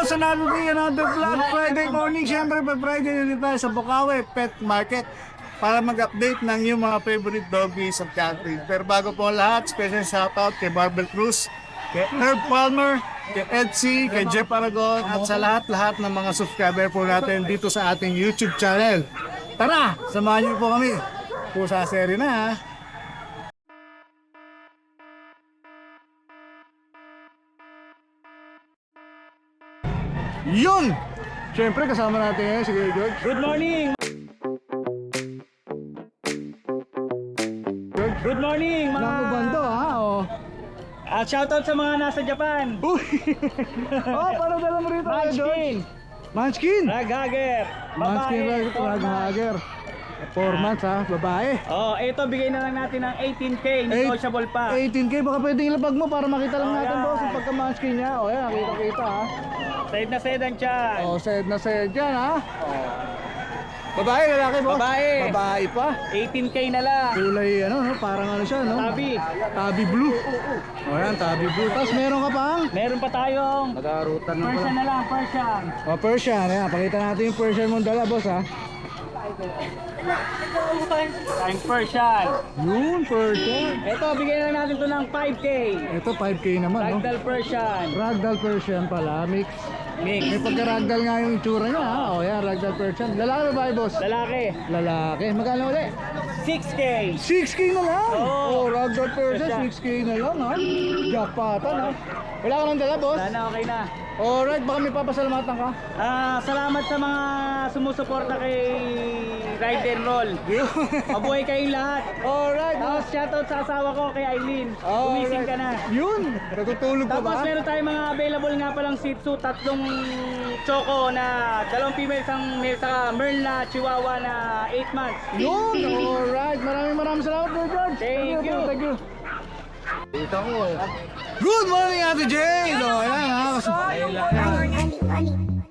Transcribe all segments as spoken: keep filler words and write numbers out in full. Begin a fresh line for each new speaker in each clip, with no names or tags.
boss, another day, another vlog. Friday morning, syempre pa Friday na tayo sa Bukawi Pet Market para mag-update ng yung mga favorite doggies of country. Pero bago po ang lahat, special shoutout kay Barbel Cruz, kay Herb Palmer, kay Edsy, kay Jeff Aragon, at sa lahat-lahat ng mga subscriber po natin dito sa ating YouTube channel. Tara, samahan niyo po kami. Pusa seri na ha. Yun! Siyempre kasama natin ngayon si Kuya George.
Good morning! Good morning mga...
Naku bando ha, oh.
At shoutout sa mga nasa Japan.
Uy! Oh, parang dala mo rito Kuya George.
Munchkin,
Munchkin!
Raghager,
Munchkin
babae, four months.
Raghager. four months ha, babae.
Oh, ito bigay na lang natin ng eighteen K, negotiable pa.
eighteen K, baka pwedeng ilabag mo para makita lang
Oh,
natin
yeah.
boss yung pagka-Munchkin niya. O yan, nakita-kita ha.
Side na side ang tiyan.
O, side na side yan ha. Babae, lalaki boss?
Babae.
Babae pa.
eighteen K na lang.
Kulay ano, no? Parang ano siya, no?
Tabi.
Tabi blue. O yan, tabi blue. Tapos meron ka pang?
Meron pa tayong
Nag-aarutan na
Persian
pala.
na lang, Persian.
O, Persian. Ayan, pakita natin yung Persian mong dala, boss, ha?
Tayong Persian.
Yun, Persian.
Ito, bigay na lang natin to ng five K.
Ito, five K naman, no?
Ragdoll Persian.
Ragdoll Persian pala, mix.
Mix.
May pagka-ragdoll nga yung itsura niya, ha? O, yan, Ragdoll Persian. Lalaki ba ba, boss?
Lalaki.
Lalaki. Magkano ulit?
six K.
six K na lang?
Oo.
Oh, Ragdoll Persian,
Persian.
six K na lang, ha? Jackpotan, ha? Wala ka nang dala, boss?
Wala na, okay na.
Alright, baka may papasalamatan ka.
Ah, salamat sa mga sumusuporta kay Ride and Roll. Mabuhay kayong lahat.
Alright,
Tapos
boss.
shoutout sa asawa ko kay Eileen.
Alright.
Gumising ka na.
Yun, natutulog pa
Tapos
ba?
meron tayong mga available nga palang Shih Tzu, tatlong choco na dalawang female, isang male, saka Merl na Chihuahua na eight months.
Yun, alright. Maraming maraming salamat, Kuya George.
Thank you.
Thank you. Dito ko. Good morning, Ate Jane. So, ayan ha. Kasi...
Money, money.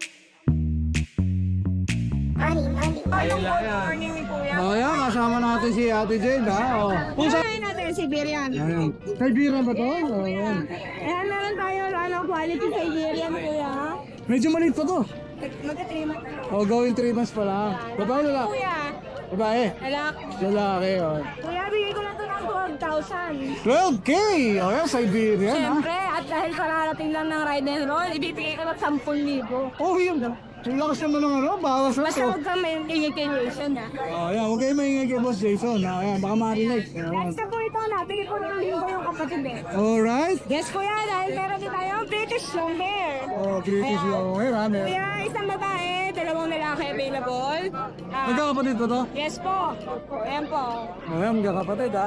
Money, money.
Oh, ayan, kasama natin si Ate Jane ha. Oh. Pusa.
Kumain natin Siberian.
Ayan. Siberian ba to? Oh, ayan.
Ayan, meron tayo ano, quality Siberian, kuya.
Medyo maliit pa to.
Magka-three months.
Oh, going three months pa lang. Babae lalaki.
Kuya,
Babae.
alak.
Lalaki. Oh.
Kuya, bigay ko na ito ng twelve thousand.
twelve K. Oh, ayan, Siberian ha.
Siyempre, at dahil kararating lang ng ride and roll, ibibigay ko ng ten thousand.
Oh, yun. Ang lakas naman ng ano. Bawas na
Basta
to.
huwag kang may ingay-ingation ha.
Oh, ayan. Huwag kayo maingay kay Boss Jason. Oh, ayan, baka marinig. Ayan.
Next na po ito, nabigay ko ng linggo yung kapatid eh.
Alright.
Yes, kuya, dahil meron din tayong British long hair.
Oh, British yung hair ha. Mer-
Kuya, isang babae, dalawang lalaki available. Ah,
Magkakapatid ba to?
yes po. Ayan po.
Oh, ayan, magkakapatid ha.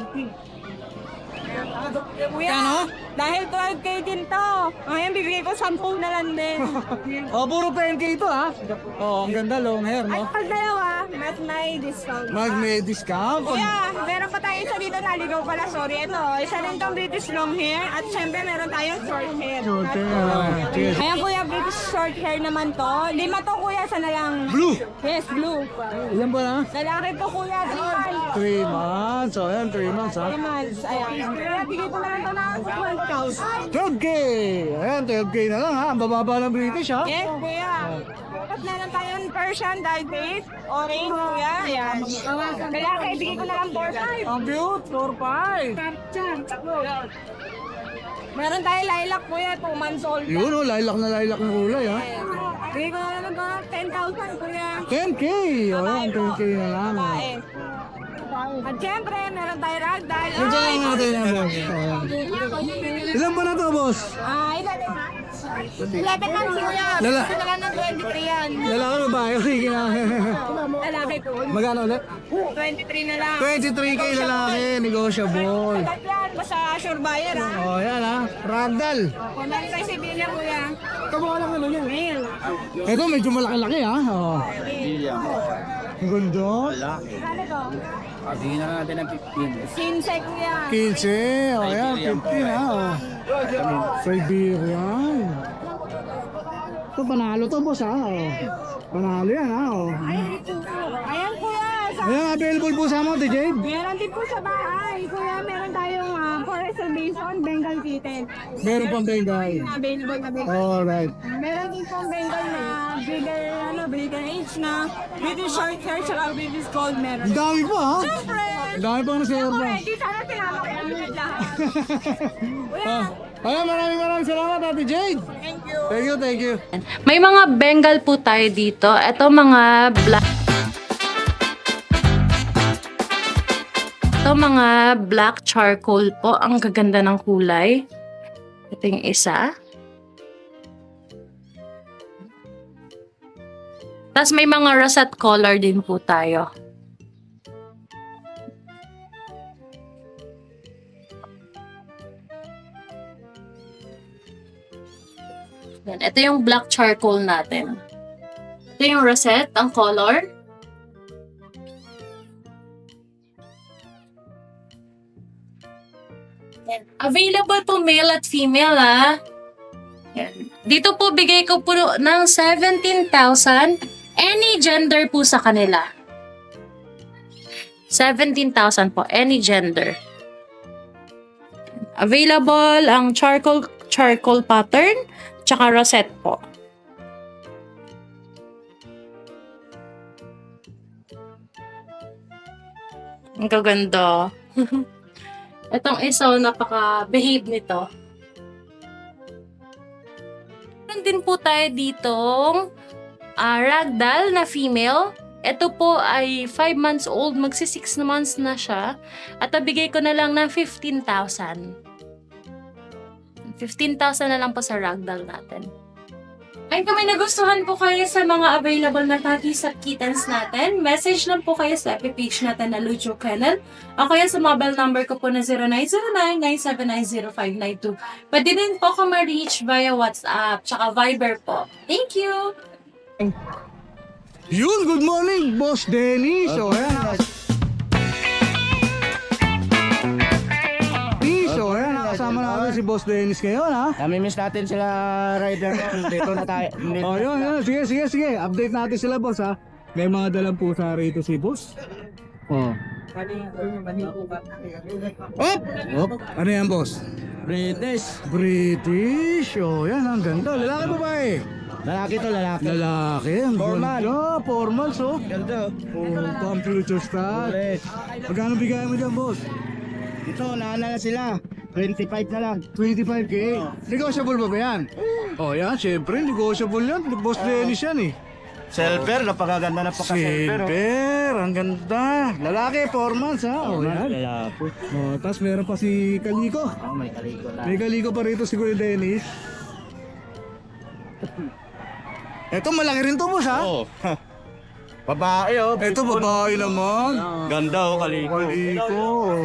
Kuya, dahil twelve K din to. Ngayon, bibigay ko ten na lang din.
Oh, puro ten K ito ha. Oh, ang ganda, long hair,
At
no?
pag dalawa, mas may discount.
Mag may discount. Pag...
Kuya, meron pa tayo isa dito, naligaw pala, sorry. Ito, isa rin tong British long hair. At syempre, meron tayong short hair.
Short hair, ah. Cheers.
Ayan kuya, British short hair naman to. Lima to kuya, sana lang.
Blue.
Yes, blue.
Ilan ba na?
Lalaki to kuya, three months.
three months. Oh, ayan, three months ha.
three months, ayan. Kuya, bigay ko na lang to ng twelve thousand.
twelve K. Ayan, twelve K na lang ha. Ang bababa ng British ha.
Yes, kuya. At meron tayong Persian dyed face, orange, kuya. Ayan. Lalaki, bigay ko na lang four five.
Ang cute. four five.
Meron tayong lilac, kuya, two months old.
Yun oh, lilac na lilac ng kulay ha.
Bigay ko na lang ng ten thousand, kuya.
ten K. Oh, ayan, ten K na lang. Oh.
Babae. At syempre, meron tayong ragdoll.
Ito lang natin yan, boss. Ayan. Ilan ba na to, boss?
Ah, eleven months. eleven months, kuya.
Lala-
Bigay ko na lang ng twenty-three yan.
Lalaki ba babae? Sige na.
Lalaki to.
Magkano ulit?
twenty-three na lang.
twenty-three K lalaki, negotiable.
Sagat yan, basta sure buyer ha.
Oh, yan ha. Ragdoll.
Kung meron tayo si Bilya, kuya. Kamukha lang naman yung male.
Ito medyo malaki-laki ha. Oh. Ang ganda.
Ano to?
Bigyan na natin ng fifteen.
Sinse, kuya.
fifteen. Oh, yan. fifteen ha. Oh. Siberian. Ito, panalo to, boss ha. Oh. Panalo yan ha. Oh.
Ayan, kuya. Sa
Ayan, available po sa mo, D J.
Meron din po sa bahay. Kuya, meron tayong uh, for reservation, Bengal kitten.
Meron pang Bengal.
Available na Bengal.
Alright.
Meron din pong Bengal na bigger, ano, bigger age na British short hair, tsaka British gold meron.
Ang dami pa ha?
Siyempre!
Ang dami pang
Ako
reserva.
ready, sana tinama ko yung lahat.
Ah, Ayan, maraming maraming salamat Ate Jade.
Thank you.
Thank you, thank you.
May mga Bengal po tayo dito. Ito mga black Ito mga black charcoal po. Ang gaganda ng kulay. Ito yung isa. Tapos may mga russet color din po tayo. Yan. Ito yung black charcoal natin. Ito yung rosette, ang color. Yan. Available po male at female, ah. Yan. Dito po, bigay ko po ng seventeen thousand. Any gender po sa kanila. seventeen thousand po, any gender. Available ang charcoal charcoal pattern, tsaka rosette po. Ang gaganda. Itong isa, napaka-behave nito. Meron din po tayo ditong ah, ragdoll na female. Ito po ay five months old, magsi six months na siya. At nabigay ko na lang ng fifteen thousand. fifteen thousand na lang po sa ragdoll natin. Ay, kung may nagustuhan po kayo sa mga available na puppies at kittens natin, message lang po kayo sa F B page natin na Lujo Kennel o kaya sa mobile number ko po na zero nine zero nine, nine seven nine, zero five nine two. Pwede din po ako ma-reach via WhatsApp tsaka Viber po. Thank you!
Yun, good morning, Boss Dennis. So, ayan. So, ayan, nakasama natin si Boss Dennis ngayon, ha?
Nami-miss natin sila rider ko. Dito na tayo. Dito.
Oh, yun, yun. Sige, sige, sige. Update natin sila, Boss, ha? May mga dalang pusa rito si Boss. Oh. Op! Op! Ano yan, Boss?
British.
British. Oh, yan, ang ganda. Lalaki ba ba eh?
Lalaki to, lalaki.
Lalaki, ang
Formal.
ganda. Formal, so.
Ganda.
Oh, computer style.
Correct.
Magkano bigay mo dyan, Boss?
Ito, naana na sila. twenty-five na lang.
twenty-five K. Negotiable ba ba yan? Oh, yan, syempre, negotiable yan. Boss Dennis yan eh.
Silver, napakaganda na pagka-silver.
Silver, ang ganda. Lalaki, four months ha. Oh, yan.
Lalaki.
Oh, tapos meron pa si Kaliko.
Oh, may kaliko na.
May Kaliko pa rito si Kuya Dennis. Ito, malaki rin to, boss ha?
Oh. Babae oh.
Ito, babae naman.
Ganda oh, kaliko.
Kaliko.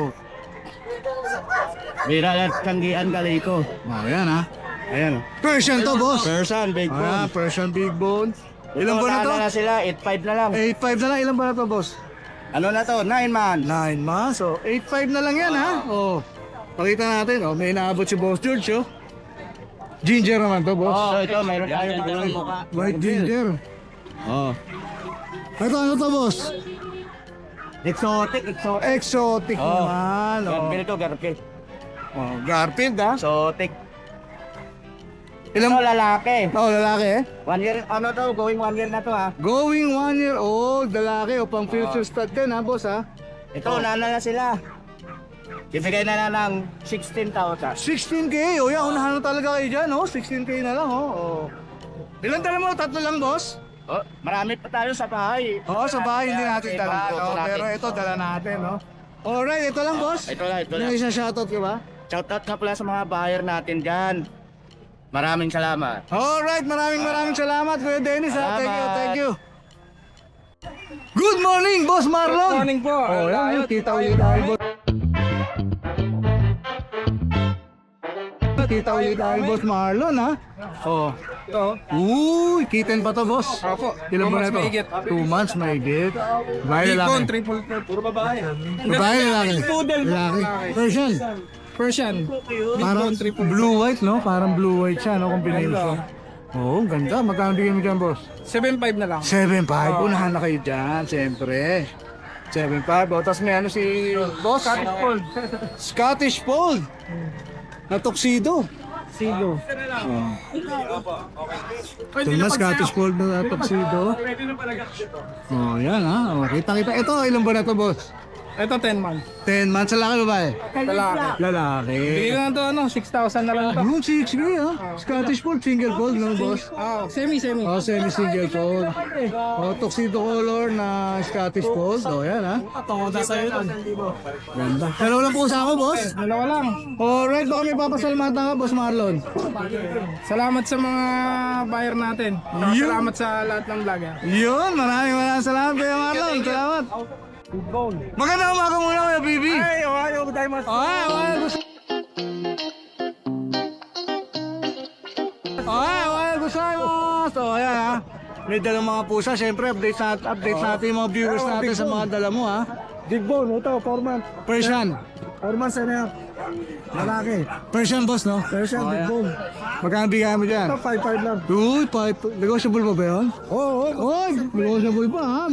Bira at kanggian kaliko.
Oh, yan ha.
Ayan oh.
Persian to, boss.
Person, big
Ah,
bone.
Persian big bone. Ilan ba na to?
Naana na sila, eight five na lang.
eight five na lang. Ilan ba na to, boss?
Ano na to? nine man.
nine months. So, eight five na lang yan, ha? Oh. Pakita natin, oh. May inaabot si Boss George, oh. Ginger naman to, boss.
Oh, ito, mayroon tayo mga mukha.
White ginger.
Oh.
Ito, ano to, boss?
Exotic, exotic.
Exotic
Oh.
naman, oh.
Garfield to, Garfield.
Oh, Garfield, ha?
Exotic.
Ilang...
Ito, lalaki.
Oh, lalaki, eh.
One year, ano to, going one year na to ha.
Going one year old, lalaki, o pang future stud din, ha, boss, ha?
Ito, nana na sila. Ibigay na na ng sixteen thousand.
sixteen K, oh, yan, unahan na talaga kayo dyan, oh. sixteen K na lang, oh. oh. Ilan tala mo? Tatlo lang, boss?
Oh, marami pa tayo sa bahay.
Oo, sa bahay hindi natin
May
dala,
mga
no?
photo natin.
Pero ito, dala natin, no? Alright, ito lang, boss.
Ito lang, ito lang.
May isang shoutout ka ba?
Shoutout nga pala sa mga buyer natin dyan. Maraming salamat.
Alright, maraming maraming salamat, Kuya Dennis, ha? Thank you,
Salamat.
thank you. Good morning, Boss Marlon!
Good morning po.
Oh, yan, yan, kita ulit tayo, boss. Kita ulit tayo, Boss Marlon, ha? Oh. Uy, kitten pa to, boss.
Opo.
Ilan ba na to?
mahigit.
Two months, may higit. Babae
Big bone,
lalaki.
triple threat, puro babae.
Babae lalaki.
Poodle.
Lalaki. Persian.
Persian.
Parang blue-white, no? Parang blue-white siya, no? Combination. Oo, oh, ganda. Magkano bigyan mo dyan, boss?
seven five na lang.
seven five. Unahan na kayo dyan, siyempre. seven five. O, tapos may ano si boss? Scottish Fold. Scottish Fold. Na tuxedo.
Sigo.
Ito na, Scottish Fold na tuxedo. Oh, yan ha. Oh, kita-kita. Ito, ilan ba na to, boss?
Ito ten months.
ten months, lalaki babae?
Lalaki.
Lalaki.
Bigyan lang to ano, six thousand na lang to.
Yung six K ha. Scottish Fold, single fold, no, boss?
Ah, semi semi.
Oh, semi-single fold. Oh, tuxedo color na Scottish Fold. Oh, yan ha.
Toda sa iyo.
Ganda. Dalawa lang po sa ako, boss.
Dalawa lang.
Alright, baka may papasalamatan ka, boss Marlon.
Salamat sa mga buyer natin.
Yun.
Salamat sa lahat ng vlog. ah.
Yun, maraming maraming salamat, Kuya Marlon. Salamat. Magandang umaga muna, Kuya Bibi.
Ay, ohayo gozaimasu.
Ay, ay, gusto. Ay, ay, gusto mo. So, ayan ha. May dalang mga pusa. Siyempre, update, nat update natin yung mga viewers natin sa mga dala mo ha.
Big bone, ito, four months.
Persian.
four months and a half. Lalaki.
Persian, boss, no?
Persian, big bone.
Magkano bigyan mo dyan?
Ito, five five lang.
Uy, pipe. Negotiable ba ba yun?
Oo, oo.
Uy, negotiable pa ha.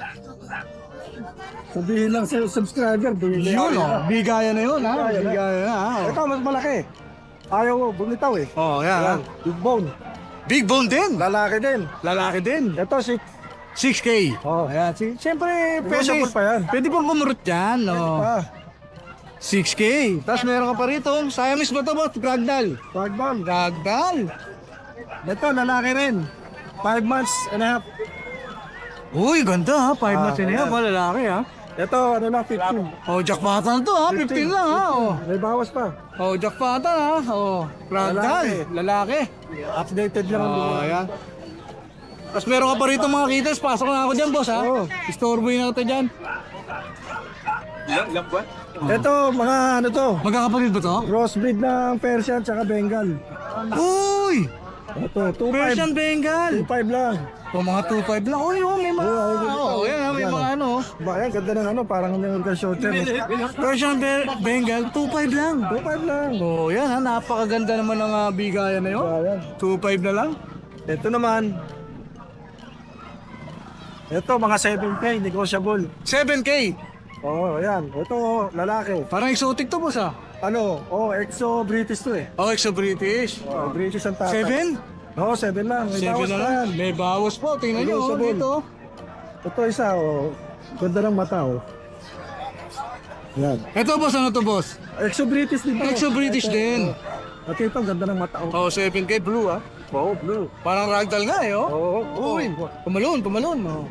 Sabihin lang sa subscriber.
Yun o, bigayan na yun ha. Bigayan na ha.
Ito, mas malaki. Ayaw mo, bumitaw eh.
Oh, yan ha.
Big bone.
Big bone din.
Lalaki din.
Lalaki din.
Ito, si...
six K.
Oh,
Ayan, si- siyempre, pwede,
Negotiable pa yan.
pwede pang kumurot yan. Oh.
Ah,
six K. Tapos meron ka pa rito. Siamese ba ito, boss? Ragdoll.
Ragdoll.
Ragdoll.
Ito, lalaki rin. five months and a half.
Uy, ganda ha. five
Ah,
months na yan.
ayan.
Pa lalaki ha.
Ito, ano lang, fifteen.
Oh, jackpatan to ha. fifteen lang ha. Oh,
May bawas pa.
oh jackpatan ha. Oh, ragdoll. Lalaki.
Updated lang ang
Oh,
lugar.
ayan. Tapos meron ka pa rito mga kittens. Pasok na ako dyan, boss ha.
Oo.
Istorboy na kita dyan.
Ito, mga ano to,
Magkakapatid ba to?
crossbreed ng Persian tsaka Bengal.
Uy!
Ito, two five.
Persian Bengal.
two five lang.
O mga two five lang. Uy, oh, may mga...
Oo, oo,
Oo, yan ha. May
yan,
mga
oh.
ano.
Ba, yan, ganda ng ano, parang American shorter.
Persian Be- Bengal, two five lang.
two five lang.
Oh, yan ha. Napakaganda naman ng uh, bigayan na yun.
Ba, yan.
two five na lang.
Ito naman. Ito, mga seven K, negotiable.
seven K.
Oo, oh, yan. Ito, lalaki.
Parang exotic to, boss ah.
Ano, oh, exo British to eh.
Oh, exo-British.
Oh, British ang tatay.
seven?
Oo, oh, seven lang. May
seven
bawas
na
pa
lang.
yan.
May bawas po. Tingnan nyo, oh,
Negotiable.
dito.
Ito isa, oh. Ganda ng mata, oh. Yan.
Ito, boss, ano to, boss?
Exo British din to.
Exo-British
Ito,
din.
oh. At ito, ganda ng mata, oh.
Oh, seven K blue ah.
Oo, blue.
Parang ragdoll nga eh, oh.
Oo, oh,
Uy, pumalun, pumalun. Oh.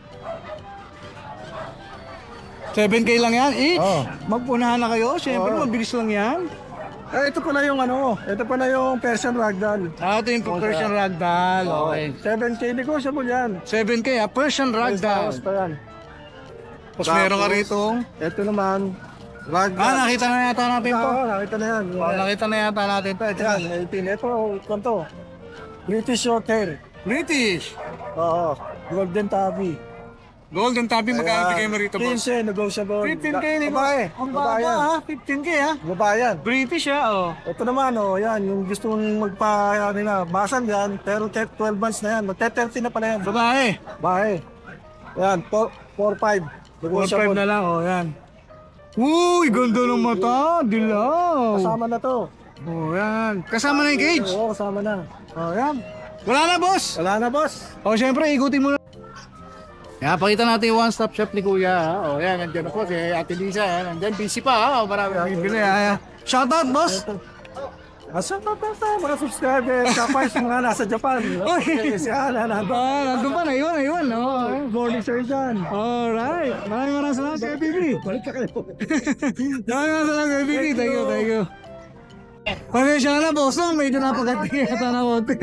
seven K lang yan, each.
Oo.
Magpunahan na kayo, syempre,
Oo.
mabilis lang yan.
Eh, ito pala yung ano, ito pala yung Persian Ragdoll.
Ah, ito yung Persian Ragdoll. Okay.
seven K negotiable yan.
seven K ah, Persian
May
Ragdoll.
bawas pa yan.
Tapos meron ka rito.
Ito naman, Ragdoll.
Ah, nakita na yata natin to.
Oo, nakita na yan.
Oh, nakita na yata natin to. Ito
Yan,
yan.
eighteen. Ito, ito. British short hair.
British.
Oo, golden tabby.
Golden Tabby, magkano bigay mo rito, boss?
fifteen, negotiable.
fifteen K ni
Babae.
Ang
Babae
baba
yan.
ha, fifteen K ha.
Babae yan.
British ha, oh.
Ito naman, oh, yan, yung gusto mong magpa, ano na, basan yan, pero twelve months na yan, magte-thirty na pala yan.
Babae.
Babae. Yan, four five.
four five na lang, oh, yan. Uy, ganda ng mata, dilaw.
Kasama na to.
Oh, yan. Kasama na yung cage.
Oo, kasama na.
Oh, yan. Wala na, boss.
Wala na, boss.
Oh, syempre, ikutin mo na. Yan, pakita natin yung one-stop shop ni Kuya. Ha? Oh, yan, nandiyan ako si Ate Lisa. Ha? Nandiyan, busy pa. Ha? Oh, marami bibili. Ha? Shoutout, boss.
Asa pa pa pa, mga subscriber, kapais mga nasa Japan.
Oy.
Si Ana, nandun.
Ah, nandun pa, naiwan, naiwan. Oh,
Morning sir dyan.
alright. Maraming maraming salamat kay B B.
Balik ka kayo.
Maraming maraming salamat kay B B. Thank you, thank you. Pasensya na, boss. No? Medyo napagati yata na konti.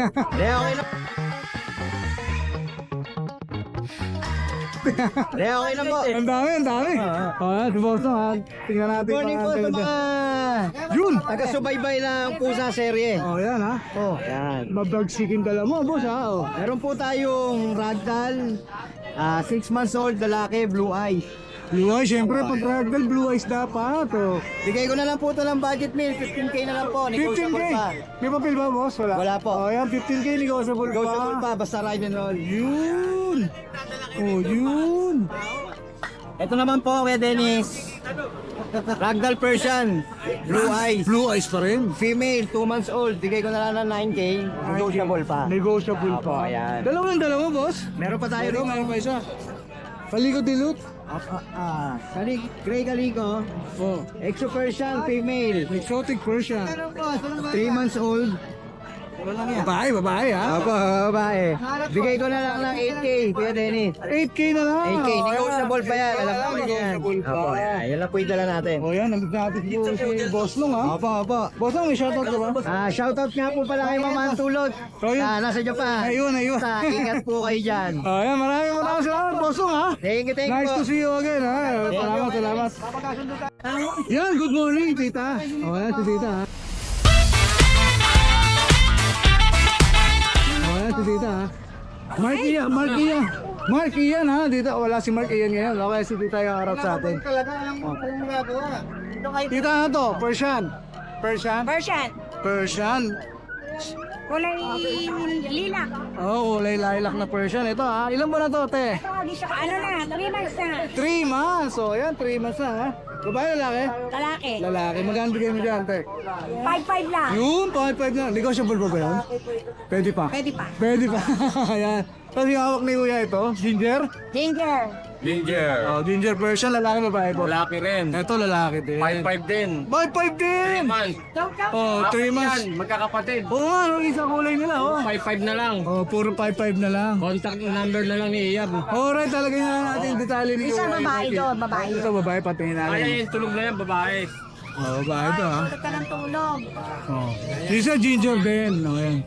Eh, okay na po.
Ang dami, ang dami. Oh, yan, si boss. No? ha? Tingnan natin.
Morning po sa mga
Yun.
taga-subaybay ng Pusa serye.
Oh, yan ha.
Oh, yan.
Mabagsikin dala mo, boss ha. Oh.
Meron po tayong ragdoll, ah six months old, lalaki, blue eye.
Blue eyes, syempre, pag ragdoll, blue eyes dapat. Oh.
Bigay ko na lang po ito ng budget meal, fifteen K na lang po,
fifteen K.
negotiable pa.
May papel ba, boss? Wala.
Wala po.
Oh, yan, fifteen K, negotiable pa.
Negotiable pa, basta ride and roll.
Yun. Oh, yun.
Ito naman po, Kuya Dennis. Ragdoll Persian. Blue eyes.
Blue eyes pa rin.
Female, two months old. Bigay ko na lang ng nine K. Negotiable pa.
Negotiable pa.
ayan.
Dalawa lang dalawa, boss.
Meron pa tayo
Pero
rin.
meron pa isa. Kaliko dilute.
Ah, ah, ah. Kali, Gray Calico.
Oh.
Exo Persian, female.
Exotic Persian.
three months old.
Babae, babae ha.
Opo, babae. Bigay ko na lang ng eight K, Kuya Dennis.
eight K na lang.
eight K, negotiable pa yan. Alam mo yan.
Negotiable pa.
Opo, yan. Yan lang po yung dala natin.
O yan, nandito natin po si Boss Long ha.
Opo, opo.
Boss Long, may shoutout ka ba?
Ah, shoutout nga po pala kay Mama Antulot.
Oh, yun.
Ah, nasa Japan.
Ayun, ayun.
Sa ingat po kayo dyan.
O yan, maraming maraming salamat, Boss Long ha.
Thank you, thank you
Nice
po.
to see you again ha. Salamat, salamat. Yan, good morning, tita. O yan, si tita ha. O yan, si tita ha. Mark Ian, Mark Ian. Mark Ian ha, dito wala si Mark Ian ngayon. Okay, si tita yung harap sa atin. Tita na to, Persian. Persian?
Persian.
Persian.
Kulay lilac.
Oh, kulay lilac na Persian. Ito ha, ilan ba na to, te?
Ano na, three months na.
three months. So, yan, three months na ha. Babae, lalaki?
Lalaki.
Lalaki. Magkano bigay mo dyan, te?
five five lang.
Yun, five five na. Negotiable pa ba yun? Pwede pa.
Pwede pa.
Pwede pa. Ayan. Tapos yung hawak ni Kuya ito, Ginger.
Ginger.
Oh, Ginger Persian, lalaki babae po.
Lalaki rin.
Ito, lalaki din.
five five din.
five five din!
months.
Oh, three months.
Yan, magkakapatid.
Oo nga, yung isang kulay nila, oh.
five five na lang.
Oh, puro five five na lang.
Contact number na lang ni Iyab.
Alright, talagay na natin yung detalye ni
Isa
Kuya.
babae doon, babae.
Ito, babae, patingin natin.
Ay, tulog na yan, babae.
Oh, babae ito, ha.
Tulog ka ng tulog.
Oh. Isa, Ginger din. Oh, yan.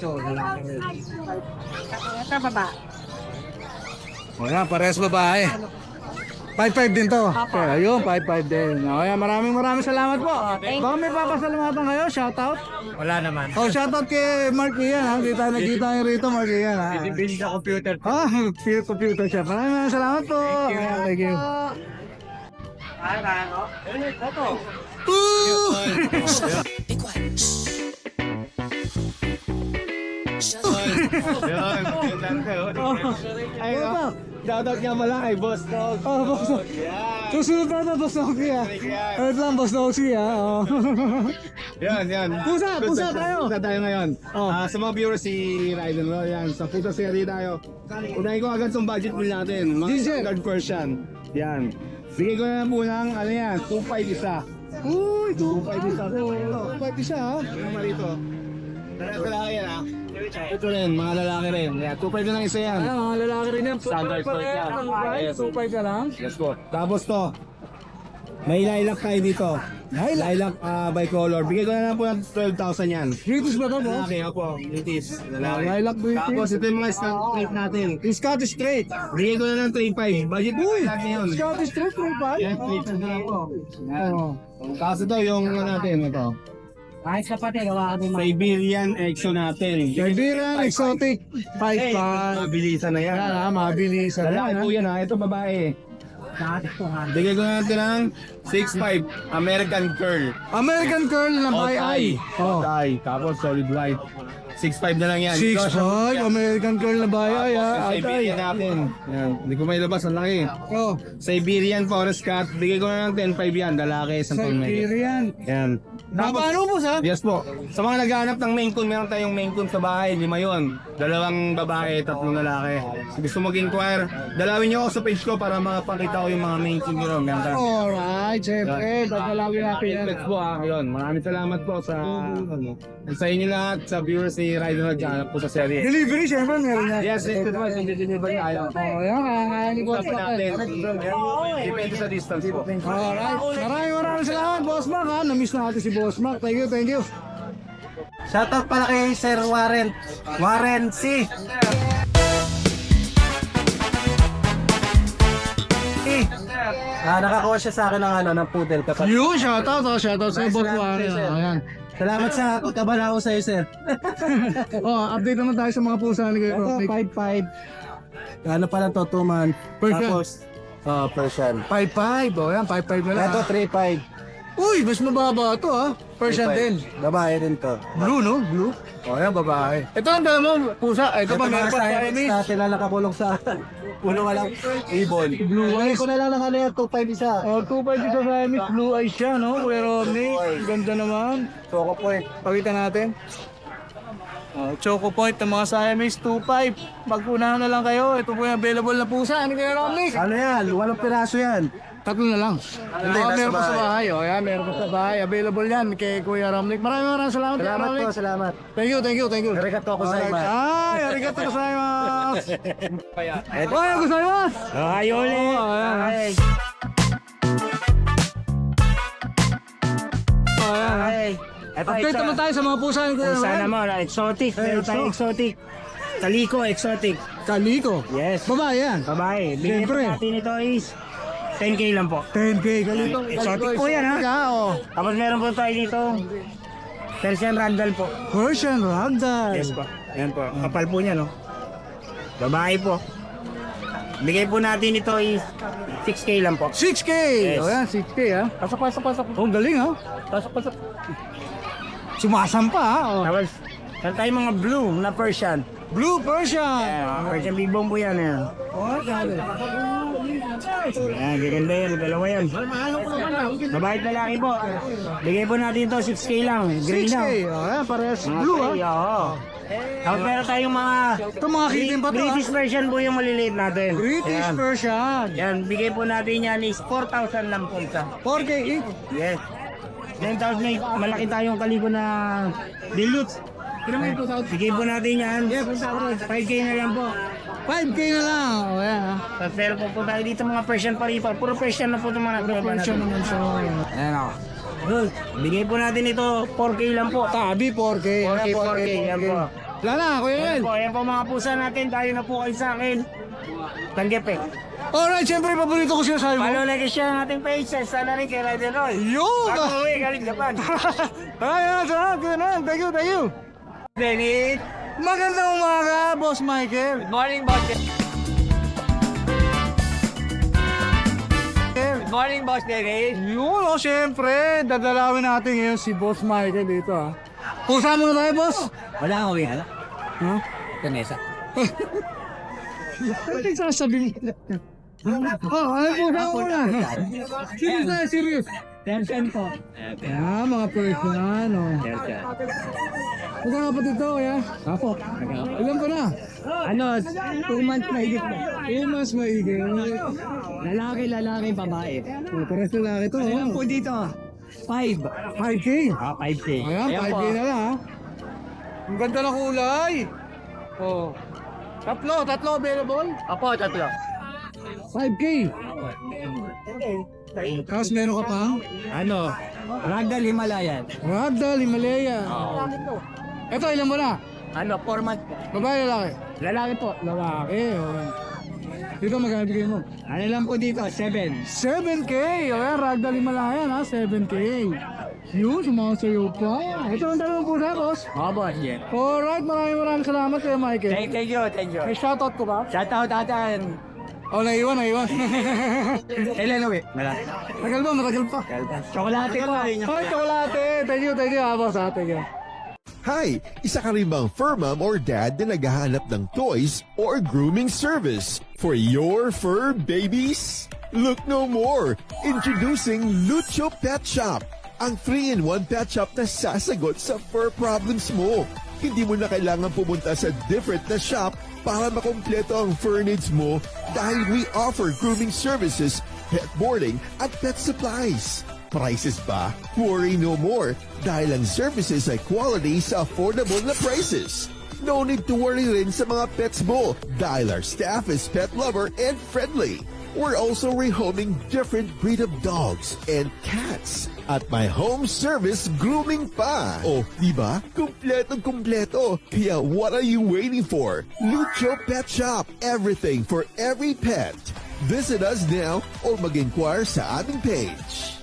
Ito baba.
O yan, parehas babae. five five din to. Okay, ayun, five five din. O yan, maraming maraming salamat po. Baka may papasalamatan kayo, shoutout.
Wala naman.
Oh, shoutout kay Mark Ian ha. Kita nakita niyo rito, Mark Ian ha.
Build sa computer.
Ah, computer computer siya. Maraming maraming salamat po. Ayan, thank you.
Ay, oh. Shoutout nga pala kay Boss Dog.
Oh, boss. Susunod na ito, boss Noxy ha. Wait lang, boss Noxy ha. Oh.
Yan, yan.
Pusa, pusa tayo.
Pusa tayo ngayon.
Oh.
Ah, sa mga viewers si Raiden, no? Yan, sa pusa series tayo. Unahin ko agad sa budget bill natin. Mga
Ginger.
standard version. Yan. Bigay ko na lang po ng, ano yan, two five isa.
Uy,
two five isa.
two five isa ha.
Ano naman rito? Parehas lalaki yan, ha? Ito rin, mga lalaki rin. Yan, two five na lang isa yan.
Ayan, mga lalaki rin yan.
Standard
Parehas
size yan.
ng babae,
Yes.
two five ka lang.
Yes po. Tapos to, may lilac tayo dito. Lilac? Lilac uh, bicolor. Bigay ko na lang po ng twelve thousand yan.
British ba ito, boss?
Lalaki, opo. British. Lalaki.
Lilac British.
Tapos ito yung mga straight natin.
Scottish straight.
Bigay ko na lang three five. Budget mo lang yun.
Scottish straight, three five.
Yan, straight na lang po. Yan.
Oh.
Tapos ito yung ano natin, ito.
Ay, kapatid, gawa ka din.
Siberian Exo natin.
Siberian exotic. five
Eh,
five.
mabilisan na yan.
Yan ha, mabilis.
Lalaki po yan ha. Ito babae. Bigay ko na natin ng six five American Curl.
American Curl na by eye. Oh.
Eye. Tapos solid white. six five na lang yan.
six
Ito,
five, American Curl na by eye ha.
Tapos
Ay,
Siberian
ay.
natin. Yan. Hindi ko may labas. Ang laki.
Oh,
Siberian Forest Cat. Bigay ko na ng ten five yan. Lalaki. Isang taon may.
Siberian.
Yan.
Paano po sa?
Yes po. Sa mga naghahanap ng Maine Coon, meron tayong Maine Coon sa bahay. Lima yon. Dalawang babae, tatlong lalaki. So, gusto mag-inquire, dalawin niyo ako sa page ko para makapakita ko yung mga Maine Coon nyo. Meron tayo.
Alright, syempre. Tatalawin natin yan.
Let's po ah. Yun. Maraming salamat po sa sa inyo lahat, sa viewers ni Ryder naghahanap po sa serye.
Delivery, syempre meron na.
Yes, ito naman. Hindi delivery tayo.
Oh, yan, kaya ni Boss
Stop
Mark.
natin. Depende sa distance po.
Alright, maraming maraming salamat, Boss Mark ha. Na-miss natin si Boss Mark. Thank you, thank you.
Shoutout pala kay Sir Warren. Warren C. Eh, ah, nakakuha siya sa akin ng ano, ng poodle kapag.
Yun, shoutout ha. Shoutout sa
Nice
Boss
to have
Mark.
you, sir.
Ayan.
Salamat sa pagkabalao sa iyo, sir.
Oh, update naman tayo sa mga pusa ni Kuya
Ito,
Rock.
five five. Ano pala to, two man.
Persian.
Tapos, oh, Persian.
five five. Oh, yan, five five na lang.
Ito,
ha.
three five.
Uy, mas mababa ito ha. Persian din.
Babae rin to.
Blue, no? Blue. O, yan, babae. Ito ang dala mo, pusa. Ito pa, meron pa Siamese.
natin na nakakulong sa puno ka lang ibon.
Blue eyes.
ko na lang ng ano yan, two five isa.
Oh, two five isa Siamese. Blue eyes siya, no? Kuya Romney. Ganda naman.
Choco point.
Pakita natin. Oh, Choco Point ng mga Siamese two five. Magpunahan na lang kayo. Ito po yung available na pusa. Ano kaya Romney?
Ano yan? Walang piraso yan.
Tatlo na lang.
Hindi,
oh,
nasa
meron pa sa
bahay.
bahay. Oh, yan, meron pa sa bahay. Available yan kay Kuya Romney. Maraming maraming salamat. Kuya
Salamat
Romney.
po, salamat.
Thank you, thank you, thank you.
Arigato gozaimasu.
Ay, arigato gozaimasu. Oy, gozaimasu.
Ay, ulit.
Oh, ayan.
Ay.
Oh, ayan.
Ay. Ito,
Update naman tayo sa mga pusa ni Kuya
Pusa
Romney.
naman, exotic. Meron tayong exotic. Kaliko, exotic.
Kaliko.
Yes.
Babae yan.
Babae. Bigyan po
Siyempre.
natin ito is ten K lang po.
ten K. Kaliko.
Exotic po yan, ha?
Oh.
Tapos meron po tayo dito. Persian Ragdoll po.
Persian Ragdoll.
Yes po. Yan po. Kapal po niya, no? Babae po. Bigay po natin ito is six K lang po.
six K.
Yes.
Oh, yan, six K ha. Pasok, pasok, pasok. Oh, galing ha. Pasok, pasok. Sumasampa ha. Oh.
Tapos, meron tayong mga blue na Persian.
Blue Persian.
Ayan, Persian Big Bone po yan. Ayan.
Oh, galing.
Ayan, gaganda yan. Dalawa yan. Babae at lalaki po. Bigay po natin ito six K lang. Green
six K.
lang.
Oh, yan, parehas
Mga
blue ha.
gray, oo. Tapos meron tayong mga
Ito mga kitten pa to ha.
British version po yung maliliit natin.
British
Ayan.
Persian.
Yan, bigay po natin yan is four thousand lang po isa.
four K each.
Yes. Then tapos may malaki tayong kaliko na dilute. Bigay po natin yan. five K na lang po.
five K na lang. Oh, yan ha.
Tapos meron po po tayo dito mga Persian paripa. Puro Persian na po itong mga nakuha
Persian
natin.
naman siya.
Ayan o. Good. Bigay po natin ito four K lang po.
Tabi four K.
four K, four K. Yan po.
Wala na, Kuya
Ayan
Yel.
po, ayan po mga pusa natin. Tayo na po kayo sa akin. Tanggepe.
Alright, siyempre, paborito ko siya sa mo.
Follow like and share ang ating page. Sana rin kay Rider Roy.
Yun!
Bago uwi, galing Japan.
Ayan, sarap. Ganun. Thank you, thank you.
Dennis.
Magandang umaga, Boss Michael.
Good morning, boss. Good morning, boss Dennis.
Yun, oh, siyempre. Dadalawin natin ngayon si Boss Michael dito, ha. Pusa muna tayo, Boss.
Wala akong uwi, hala?
Ha?
Kanesa.
Ano yung sasabihin? Oh, ano pusa muna? Serious na, serious.
Persian po.
Yan, mga person, oh.
Persian.
Magkakapatid to, kaya?
Apo.
Ilan pa na?
Ano, two months na higit po.
Eh, mas maigil.
Lalaki, lalaki, babae.
Oh, pares na lang ito,
Ayan
oh.
po dito. Five.
five K.
Ah, five K.
Ayan, five K na lang, ha. Ang ganda ng kulay. Oh. Tatlo, tatlo available.
Apo, tatlo.
five K. Tapos meron ka pa?
Ano? Ragdoll Himalayan.
Ragdoll, Himalaya. Ito, ilan mo na?
Ano, four months po.
Babae, lalaki?
Lalaki po.
Lalaki, okay. Dito, magkano bigay mo?
Ano lang po dito, seven.
seven K. O yan, Ragdoll, Himalaya, ha? seven K. Yun, sumasayo pa. Ito ang dalawang pusa, boss.
Oo, boss, yeah.
Alright, maraming maraming salamat kay Michael.
Thank, thank you, thank you.
May shoutout ko ba?
Shout out atan.
Oh, naiwan, naiwan.
Kailan uwi? Wala.
Tagal ba? Matagal pa.
Chocolate po.
Ay, chocolate. Thank you, thank you, ha, boss. Ha, thank you.
Hi! Isa ka rin bang fur mom or dad na naghahanap ng toys or grooming service for your fur babies? Look no more! Introducing Lucho Pet Shop, ang three in one pet shop na sasagot sa fur problems mo. Hindi mo na kailangan pumunta sa different na shop para makompleto ang fur needs mo dahil we offer grooming services, pet boarding, at pet supplies. Prices ba? Worry no more dahil ang services ay quality sa affordable na prices. No need to worry rin sa mga pets mo dahil our staff is pet lover and friendly. We're also rehoming different breed of dogs and cats at my home service grooming pa. Oh, di ba? Kumpletong kumpleto. Kaya what are you waiting for? Lucho Pet Shop. Everything for every pet. Visit us now or mag-inquire sa aming page.